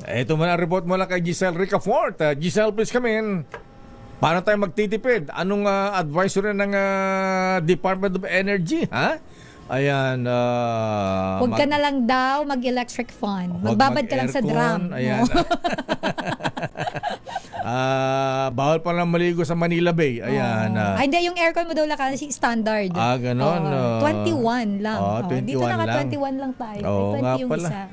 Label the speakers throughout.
Speaker 1: Ito man ang report mula kay Giselle Ricafort. Giselle, please come in. Paano tayo magtitipid? Anong advisory ng Department of Energy? Ha? Ayan.
Speaker 2: Huwag ka na lang daw mag-electric fan. Magbabad ka lang sa drum.
Speaker 1: Ayan. Bawal pa lang maligo sa Manila Bay. Ayan.
Speaker 2: Ay, hindi. Yung aircon mo daw lang standard.
Speaker 1: Ganon.
Speaker 2: 21 lang.
Speaker 1: 21
Speaker 2: dito naka
Speaker 1: lang.
Speaker 2: 21 lang tayo.
Speaker 1: Oo,
Speaker 2: 20
Speaker 1: nga
Speaker 2: yung
Speaker 1: pala.
Speaker 2: isa.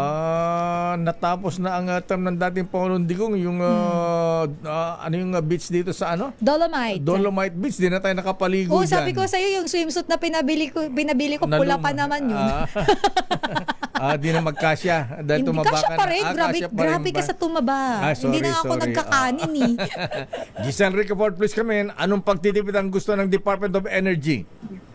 Speaker 1: Natapos na ang term ng dating Pangulong Digong, yung ano yung beach dito sa ano?
Speaker 2: Dolomite.
Speaker 1: Dolomite Beach. Di na tayo nakapaligo dyan.
Speaker 2: Sabi ko sa'yo, yung swimsuit na pinabili ko pula pa naman yun.
Speaker 1: Di na magkasya. Dahil
Speaker 2: Hindi,
Speaker 1: tumaba
Speaker 2: kasya
Speaker 1: ka
Speaker 2: pa
Speaker 1: na.
Speaker 2: rin. Grabe ka sa tumaba. Hindi na ako nagkakanin eh.
Speaker 1: Giselle Ricafort, please come in. Anong pagtitipid ang gusto ng Department of Energy?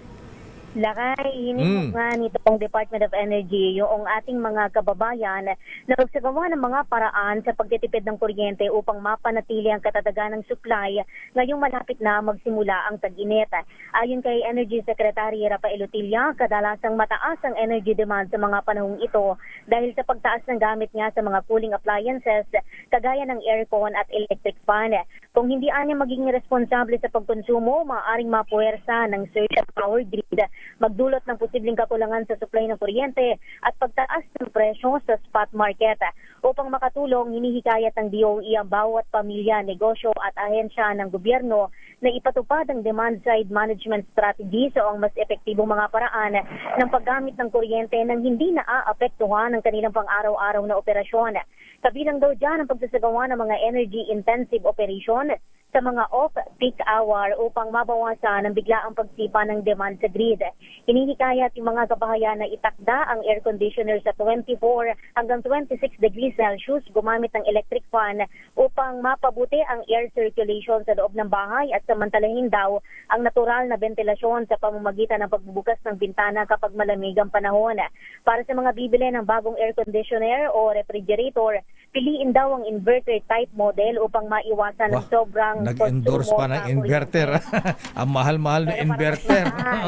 Speaker 3: Lakay, hinimok nga nitong Department of Energy yung ating mga kababayan na magsagawa ng mga paraan sa pagtitipid ng kuryente upang mapanatili ang katatagan ng supply ngayong malapit na magsimula ang tag-init. Ayon kay Energy Secretary Rafael Utilla, kadalasang mataas ang energy demand sa mga panahong ito dahil sa pagtaas ng gamit nga sa mga cooling appliances kagaya ng aircon at electric fan. Kung hindi anya magiging responsable sa pagkonsumo, maaaring mapuwersa ng surge at power grid, magdulot ng posibleng kakulangan sa supply ng kuryente at pagtaas ng presyo sa spot market. Upang makatulong, hinihikayat ng DOE ang bawat pamilya, negosyo at ahensya ng gobyerno na ipatupad ang demand-side management strategy o ang mas epektibong mga paraan ng paggamit ng kuryente nang hindi naaapektuhan ang kanilang pang-araw-araw na operasyon. Kabilang daw dyan ang pagsasagawa ng mga energy-intensive operation sa mga off-peak hour upang mabawasan ang biglaang pagsipa ng demand sa grid. Hinihikayat yung mga kabahayan na itakda ang air conditioner sa 24 hanggang 26 degrees Celsius, gumamit ng electric fan upang mapabuti ang air circulation sa loob ng bahay at samantalahin daw ang natural na ventilasyon sa pamamagitan ng pagbubukas ng bintana kapag malamig ang panahon. Para sa mga bibili ng bagong air conditioner o refrigerator, piliin daw ang inverter type model upang maiwasan ng sobrang
Speaker 1: nag-endorse pa ng inverter. Ang mahal-mahal na inverter.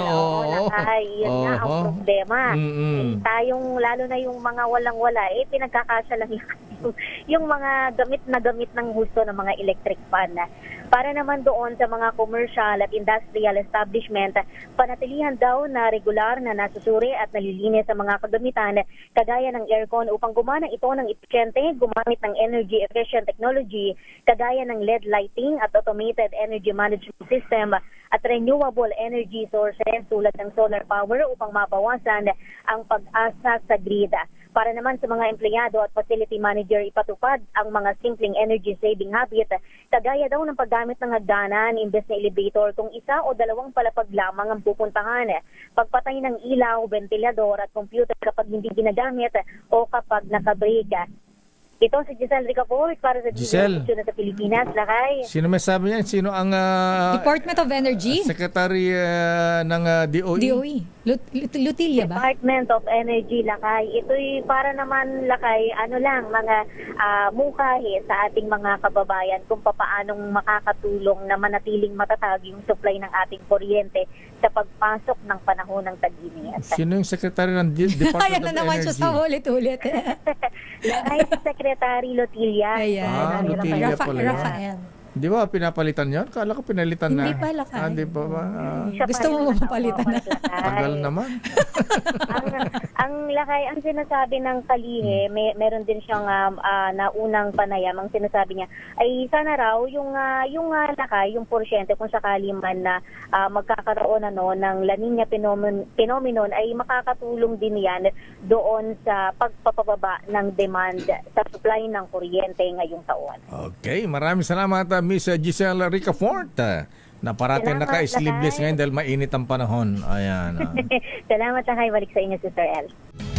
Speaker 3: Oo. Yun nga ang problema. Tayong, lalo na yung mga walang-wala, pinagkakasya lang yung mga gamit ng husto ng mga electric fan. Para naman doon sa mga commercial at industrial establishment, panatilihan daw na regular na nasusuri at nalilinis sa mga kagamitan kagaya ng aircon upang gumana ito ng epesyente, gumamit ng energy efficient technology kagaya ng LED lighting at automated energy management system at renewable energy sources tulad ng solar power upang mabawasan ang pag-asa sa grid. Para naman sa mga empleyado at facility manager, ipatupad ang mga simpleng energy saving habit kagaya daw ng paggamit ng hagdanan imbes na elevator kung isa o dalawang palapag lamang ang pupuntahan. Pagpatay ng ilaw, ventilador at computer kapag hindi ginagamit o kapag naka-break. Ito si Giselle Ricafort para sa
Speaker 1: Giselle,
Speaker 3: na sa Pilipinas. Lakay.
Speaker 1: Sino may sabi niyan? Sino ang
Speaker 2: Department of Energy?
Speaker 1: Secretary ng DOE?
Speaker 2: DOE. Lutilla ba?
Speaker 3: Department of Energy, Lakay. Ito'y para naman, Lakay, mga mungkahi sa ating mga kababayan kung paanong makakatulong na manatiling matatag yung supply ng ating kuryente sa pagpasok ng panahon ng tag-init.
Speaker 1: Sino yung Secretary ng Department
Speaker 2: Ayan
Speaker 1: of
Speaker 2: na naman
Speaker 1: Energy?
Speaker 2: siya sa ulit-ulit.
Speaker 3: Lakay si Secretary Lotilla.
Speaker 2: Ayan.
Speaker 1: Lotilla pala yan.
Speaker 2: Rafael.
Speaker 1: Di ba pinapalitan yan? Kala ko pinalitan na.
Speaker 2: Hindi pa, Lakay.
Speaker 1: Hindi pa ba?
Speaker 2: Gusto mo mapalitan na?
Speaker 1: Tagal naman.
Speaker 3: ang Lakay, ang sinasabi ng Kalihe, meron din siyang naunang panayam. Ang sinasabi niya ay sana raw yung Lakay, yung porsyente kung sakali man na magkakaroon ng La Nina phenomenon ay makakatulong din yan doon sa pagpapababa ng demand sa supply ng kuryente ngayong taon.
Speaker 1: Okay, maraming salamat Miss Giselle Ricafort. Na parating naka-sleeveless ngayon dahil mainit ang panahon. Ayan.
Speaker 3: Salamat, Lakay. Balik sa inyo, Sister El.